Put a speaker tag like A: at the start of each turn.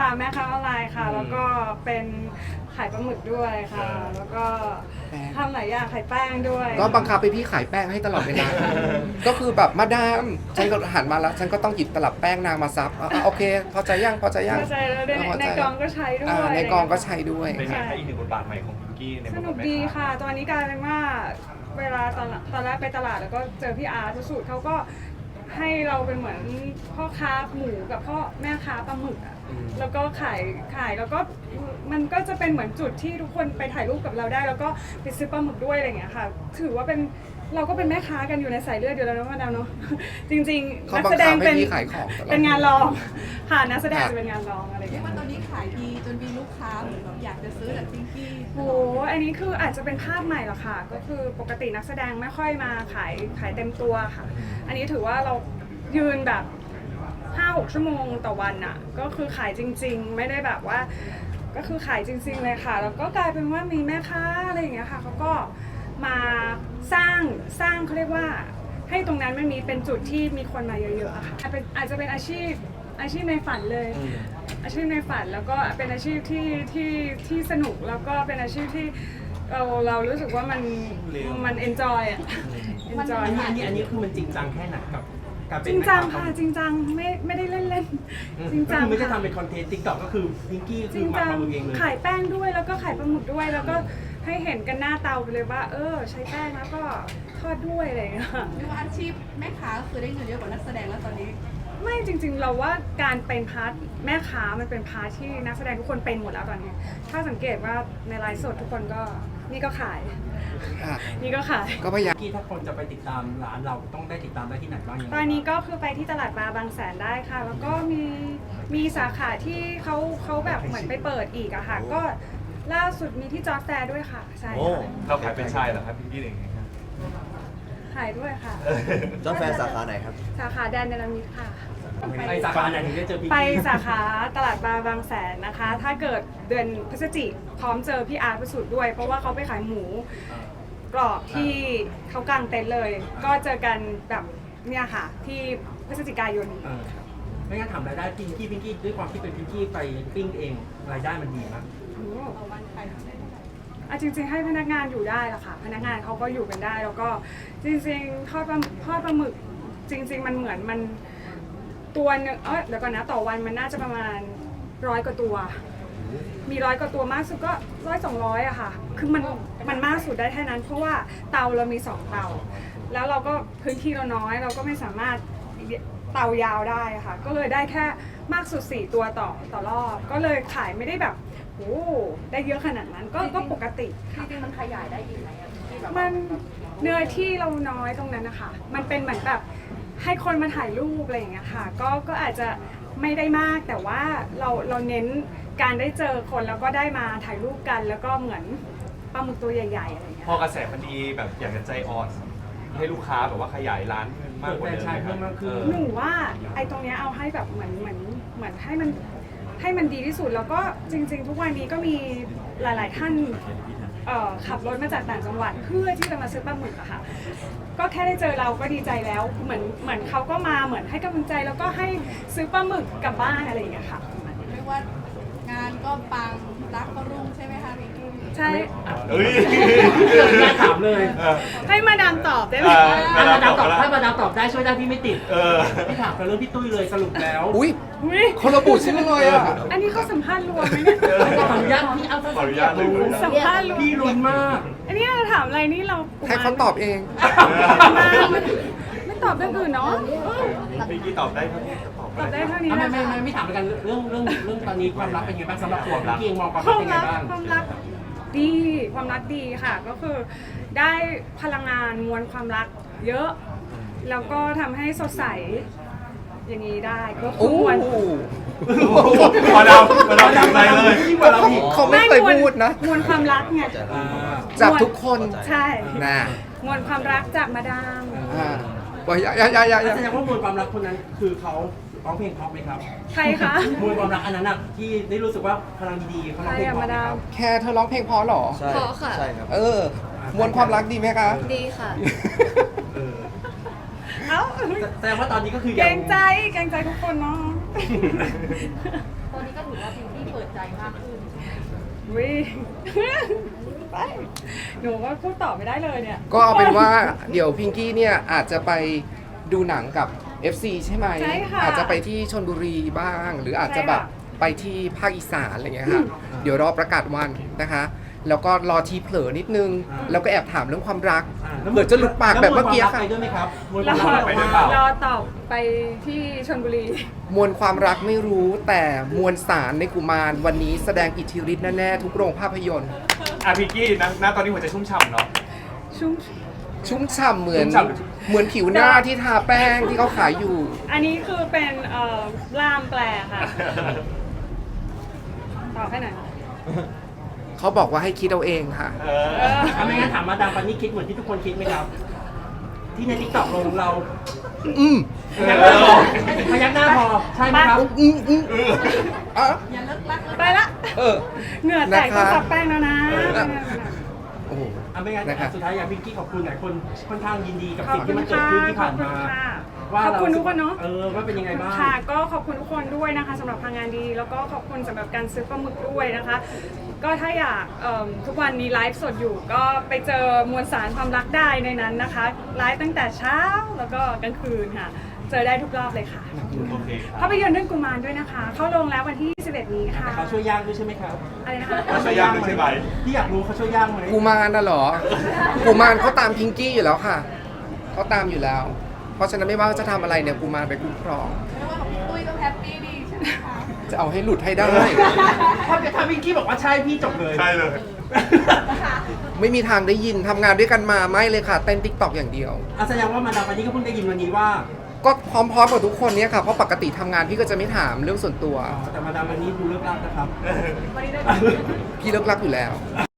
A: ค่ะแม่ค้าออนไลน์ค่ะแล้วก็เป็นขายปลาหมึกด้วยค่ะแล้วก็ทำหลายอย่างขายแป้งด้วย
B: ก็บังคับไปพี่ขายแป้งให้ตลอดเวลา ก็คือแบบมาดามฉันก็หันมาแล้วฉันก็ต้องหยิบตลับแป้งนางมาซับโอเคพอใจยังพอใจยัง
A: เข้าใจแล้วในกองก็ใช้ด้วย
B: ในกองก็ใช้ด้วย
C: เป็นไงคะอีกหนึ่งบทบาทใหม่ของพิงกี้ในบท
A: ส
C: บาท
A: นุก
C: แม่
A: ดี
C: ค้า
A: ค่ะ ตอนนี้กลายเป็นว่าเวลาตอนแรกไปตลาดแล้วก็เจอพี่อาร์ตสูตรเขาก็ให้เราเป็นเหมือนพ่อค้าหมูกับพ่อแม่ค้าปลาหมึกอ่ะแล้วก็ขายแล้วก็มันก็จะเป็นเหมือนจุดที่ทุกคนไปถ่ายรูปกับเราได้ แล้วก็ไปซื้อปลาหมึกด้วยอะไรอย่างเงี้ยค่ะถือว่าเป็นเราก็เป็นแม่ค้ากันอยู่ในสายเลือดอยู่แล้วนะมาดามเนาะ จริงๆ
B: เขา
A: นัก
B: บัง
A: แสด
B: คั
A: ง
B: บให้
A: เป็น
B: พี่ขายของตลอด
A: เป็นงานรองค่ะนักแสดงจะเป็นงานรองอะไรอย่าง
D: เรีย
A: เงี้
D: ก
A: ย
D: ว่าตอนนี้ขายดีจนมีลูกค้าเหมือนแบบอยากจะซื้อจากพิงกี้
A: โอ้โหอันนี้คืออาจจะเป็นภาพใหม่หรอกค่ะ ก็คือปกตินักแสดงไม่ค่อยมาขายเต็มตัวค่ะ อันนี้ถือว่าเรายืนแบบ 5-6 ชั่วโมงต่อวันน่ะ ก็คือขายจริงๆ ไม่ได้แบบว่า ก็คือขายจริงๆเลยค่ะ แล้วก็กลายเป็นว่ามีแม่ค้าอะไรอย่างเงี้ยค่ะเขาก็มาสร้างเขาเรียกว่า ให้ตรงนั้นมันมีเป็นจุดที่มีคนมาเยอะๆอะค่ะอาจจะเป็นอาชีพในฝันเลย อาชีพในฝันแล้วก็เป็นอาชีพที่สนุกแล้วก็เป็นอาชีพที่เรารู้สึกว่ามันเอนจอยอ่ะเอนจอย
E: อันนี้คือมันจริงจังแค่ไหนกับการเป็
A: จ
E: น
A: ริงจังค่ะจริงจังไม่ได้เล่นจริงจัง
E: คือไม่ได้
A: ค่ะ
E: ทำเป็นคอนเทนต์ติ๊กต็อกก็คือพิงกี้
A: จ
E: คื
A: ริ
E: อง มา
A: จัง
E: ทำเองเลย
A: ขายแป้งด้วยแล้วก็ขายปลาหมึกด้วยแล้วก็ให้เห็นกันหน้าเตาไปเลยว่าใช้แป้งแล้วก็ทอดด้วยอะไรอย่างเงี้ย
D: เรียกว่าอาชีพแม่ค้าคือได้เงินเยอะกว่านักแสดงแล้วตอนนี้
A: ไม่จริงๆเราว่าการเป็นพาร์ทแม่ค้ามันเป็นพาร์ทที่นักแสดงทุกคนเป็นหมดแล้วตอนนี้ ถ้าสังเกตว่าในไลฟ์สดทุกคนก็นี่ก็ขาย
B: ค่ะ
A: นี่ก็ขาย
B: ก็พยายาม
E: พิงกี้ถ้าคนจะไปติดตามร้านเราต้องได้ติดตามได้ที่ไหนบ้างยังไง
A: ตอนนี้ก็คือไปที่ตลาดปลาบางแสนได้ค่ะ แล้วก็มีสาขาที่เขาแบบเหมือนไปเปิดอีกอะค่ะ ก็ล่าสุดมีที่จอร์จแฟร์ด้วยค่ะใช่
C: โอ้
A: ค่ะ
C: เราขายเป็นไชายเหรอครับพิงกี้เองไงครับ
A: ขายด้วยค่ะ
F: จอร์จแฟร์สาขาไหนครับ
A: สาขาแดนเนลมิดค่ะ
E: ไปสาขาไหนถึงได้เจอพิง
A: ไป
E: กี้
A: สาขาตลาดปลาบางแสนนะคะ ถ้าเกิดเดือนพฤศจิกพร้อมเจอพี่อาร์ตประสูตรด้วย เพราะว่าเขาไปขายหมูกรอบที่เขากางเต็นท์เลย ก็เจอกันแบบเนี่ยค่ะ ที่พฤศจิกายนนี้
E: ไม่งั้นถามรายได้พิงกี้ด้วยความที่เป็นพิงกี้ไปปิ้งเองรายได้มันดีมาก
D: ต่อวันขายได้เท่าไหร่
A: จริงๆให้พนักงานอยู่ได้ละค่ะ พนักงานเขาก็อยู่กันได้ แล้วก็จริงๆทอดปลาหมึกจริง ๆ มันเหมือนมันตัวหนึงเดี๋ยวก่อนนะต่อวันมันน่าจะประมาณ100 กว่าตัว มี100 กว่าตัวมากสุดก็100-200อะค่ะ คือมันมากสุดได้แค่นั้น เพราะว่าเตาเรามี2เตา แล้วเราก็พื้นที่เราน้อย เราก็ไม่สามารถเตายาวได้อะค่ะ ก็เลยได้แค่มากสุด4ตัวต่อรอบ ก็เลยขายไม่ได้แบบโอ้ได้เยอะขนาดนั้นก็ปกติ
D: จริงๆมันขยายได้อีกไหมอะที่แบบ
A: มันเนื้อที่เราน้อยตรงนั้นนะคะ มันเป็นเหมือนแบบให้คนมาถ่ายรูปอะไรอย่างเงี้ยค่ะ ก็อาจจะไม่ได้มากแต่ว่าเราเน้นการได้เจอคนแล้วก็ได้มาถ่ายรูปกัน แล้วก็เหมือนปลาหมึกตัวใหญ่ๆอะไรอย่างเงี้ย
C: พอกระแสมันดีแบบอยากจะใจอ่อนให้ลูกค้าแบบว่าขยายร้านเพิ่มมากกว่าเดิม
E: เปิดแฟรนไชส์เพิ่มมากขึ้น
A: หนูว่าไอ้ตรงเนี้ยเอาให้แบบเหมือนให้มันดีที่สุดแล้วก็จริง ๆ ทุกวันนี้ก็มีหลาย ๆ ท่านขับรถมาจากต่างจังหวัดเพื่อที่จะมาซื้อปลาหมึกอะค่ะ ก็แค่ได้เจอเราก็ดีใจแล้วเหมือนเขาก็มาเหมือนให้กำลังใจแล้วก็ให้ซื้อปลาหมึกกลับบ้านอะไรอย่างเงี้ยค่ะ
D: เรียกว่างานก็ปังรักก็รุ่งใช่ไหมคะพิงกี้
A: ใช่
C: เฮ้ย
E: น่าถามเลย
A: ให้มาดามตอบได้ไหม
E: ถ้ามาดามตอบได้ช่วยได้พี่ไม่ติด
C: เออ
E: พี่ถามกันเรื่องพี่ตุ้ยเลยสรุปแล้ว
B: อุ้ย
A: อุ๊ย
B: เขาระบุชื่อเลยอ่ะ
A: อันนี้เขาสัมภาษณ์รวมไหมเนี่ย
E: ขออนุญาตพี่เอา
C: ขออนุญาตเลย
A: สัมภาษณ์รวม
E: พี่ลุ้นมาก
A: อันนี้เราถามอะไรนี่เรา
B: ให้เขาตอบเอง
A: ไม่ตอบเรื่องอื่นเนาะ
C: พิงกี้ตอบได้เท่านี้ก็ตอบ
A: ตอบ
C: ได้
A: ได้เท่านี้
E: ไม่
A: นะ
E: ไม่
A: คะ
E: ไม่ไม่ถามกันเรื่องตอนนี้ความรักเป็นยังไงบ้างสำหรับตัวพี่เองมองความ
A: ค
E: รัก
A: วาม
E: เป็นยังไง
A: รัก
E: บ้าง
A: ความรักดีความรักดีค่ะ ก็คือได้พลังงานมวลความรักเยอะ แล้วก็ทำให้สดใสอย่างนี้ได้ก็คื
B: โอ้
A: อมวล
C: มาดามใจเลย
E: ยิ่งกว่าเราอีก
B: เขาไม่เคยพูดนะ
A: มวลความรักไง
B: จากทุกคน
A: ใช่
B: น่ะ
A: มวลความรักจากมาดาม
B: บอกอย่า
E: แสดงว่ามวลความรักคนนั้นคือเขาร้องเพลงเพราะไหมครับ
A: ใครคะ
E: มวลความรักอันนั้นน่ะที่ได้รู้สึกว่าพลังดีๆเขา
A: ใค
E: ร้
A: ร
E: องเพลง
A: อะ
E: เพราะ
A: มา
E: ไหม
A: ดา
E: ค
A: ม
E: รับ
B: แค่เธอร้องเพลงเพอเหรอ
F: ใช่
G: เพราะค่ะ
F: ใช่ครับ
B: มวลความรักดีไหมคะ
G: ดีค่ะ
E: เออ
A: เอ้า
E: แสดงว่าตอนนี้ก็คือ
A: เกร
E: ยัง
A: ใจเกรงใจทุกคนเนาะ
D: ตอนนี้ก็ถือว่าพิงกี้เปิดใจมากขึ้น
A: วิไปหนูว่าพูดต่อไม่ได้เลยเนี่ย
B: ก็เอาเป็นว่าเดี๋ยวพิงกี้เนี่ยอาจจะไปดูหนังกับ FC ใช่ไหม
A: ใช่ค่ะ
B: อาจจะไปที่ชลบุรีบ้าง หรืออาจจะ
A: ใช่ค่ะ
B: แบบไปที่ภาคอีสานอะไรเงี้ยค่ะเดี๋ยวรอประกาศวันนะคะ แล้วก็รอทีเผลอนิดนึง แล้วก็แอบถามเรื่องความรัก
E: แล้ว
B: เผื่อจะหลุดปากแบบเมื่อกี้
E: แล้ว
B: ค่ะ
E: ไปด้วยไหมครับมวล
A: ร
E: ความรัก
C: ไปด้วยเปล่า
A: อตอบไปที่ชลบุรี
B: มวลความรักไม่รู้แต่มวลสารในกุมารวันนี้แสดงอิทธิฤทธิ์แน่ๆทุกโรงภาพยนตร์
C: อ่ะพิงกี้นะตอนนี้หัวใจชุ่มฉ่ำเนาะ
A: ชุ่ม
B: ชุ่มฉ่ำเหมือน
C: ชุ่มฉ่ำหรือ
B: เหมือนผิวหน้าที่ทาแป้งที่เขาขายอยู่
A: อันนี้คือเป็นล่ามแปลค่ะ ตอบให้หน่อย
B: เขาบอกว่าให้คิดเอาเองค่ะ
C: เออ
E: ไม่งั้นถามมาดามปันนี่คิดเหมือนที่ทุกคนคิดไหมครับ ที่ในทิกตอกลงเรา
B: อืม
E: พยักหน้าพอใช่ไหมครับ
B: อ่ะ
D: อย่าเลิกรักเลย
A: ไปละ
B: เออ
A: เหงื่อแตก
B: นะคะ
A: ต้องซับแป้งแล้วนะ
B: โอ้โห
E: ไม่งั้น
B: นะครับ
E: สุดท้ายอยากพิงกี้ขอบคุณหลายคนค่อนข้างยินดีกับ
A: ขอบ
E: สิ่ง
A: คุ
E: ที่
A: ณ
E: มันเกิด
A: ค่ะ
E: ขึ้นที่ผ่านมา ว่า
A: ขอบ
E: เรา
A: คุณทุกคนเนาะ
E: ว่าเป็นยังไงบ้าง
A: ค่ะ ก็ขอบคุณทุกคนด้วยนะคะสำหรับพลังงานดี แล้วก็ขอบคุณสำหรับการซื้อปลาหมึกด้วยนะคะ ก็ถ้าอยากทุกวันนี้ไลฟ์สดอยู่ ก็ไปเจอมวลสารความรักได้ในนั้นนะคะไลฟ์ตั้งแต่เช้าแล้วก็กลางคืนค่ะ เจอได้ทุกรอบเลยค่ะ
C: โอเคค
A: ภา
C: รับ
A: พยนตร์เรื่องกุมารด้วยนะคะ เข้าโรงแล้ววันที่ 21 นี้ค่ะ
E: แต่เขาช่วยย่างด้วยใช่ไหมครับ
A: อะไรนะคะ
C: เขาช่วยย่างด้วยใช่ไหม
E: ที่อยากรู้เขาช่วยย่างไหม
B: กุมารน่ะเหรอ กุมารเขาตามพิงกี้อยู่แล้วค่ะ เขาตามอยู่แล้ว เพราะฉะนั้นไม่ว่าจะทำอะไรเนี่ยกุมารไปคุ้มครอง
D: ไม่ว่าของพี่ตุ้ยก็แฮปปี้ดีใช่ไหมคะ
B: จะเอาให้หลุดให้ได้
E: ถ้าพิงกี้บอกว่าใช่พี่จบเลย
C: ใช่เลย
B: ไม่มีทางได้ยินทำงานด้วยกันมาไม่เลยค่ะ เต้นติ๊กต็อกอย่างเดียว
E: แสดงว่ามาดามปันนี่ก็เพิ่งได้ยินวันนี้ว่า
B: ก็พร้อมๆกับทุกคนเนี่ยค่ะ เพราะปกติทำงานพี่ก็จะไม่ถามเรื่องส่วนตัว
E: แต่มาดามวันนี้ดูเลิกลักนะครับ
A: วันนี้ได้
B: พี่เลิกรักอยู่แล้ว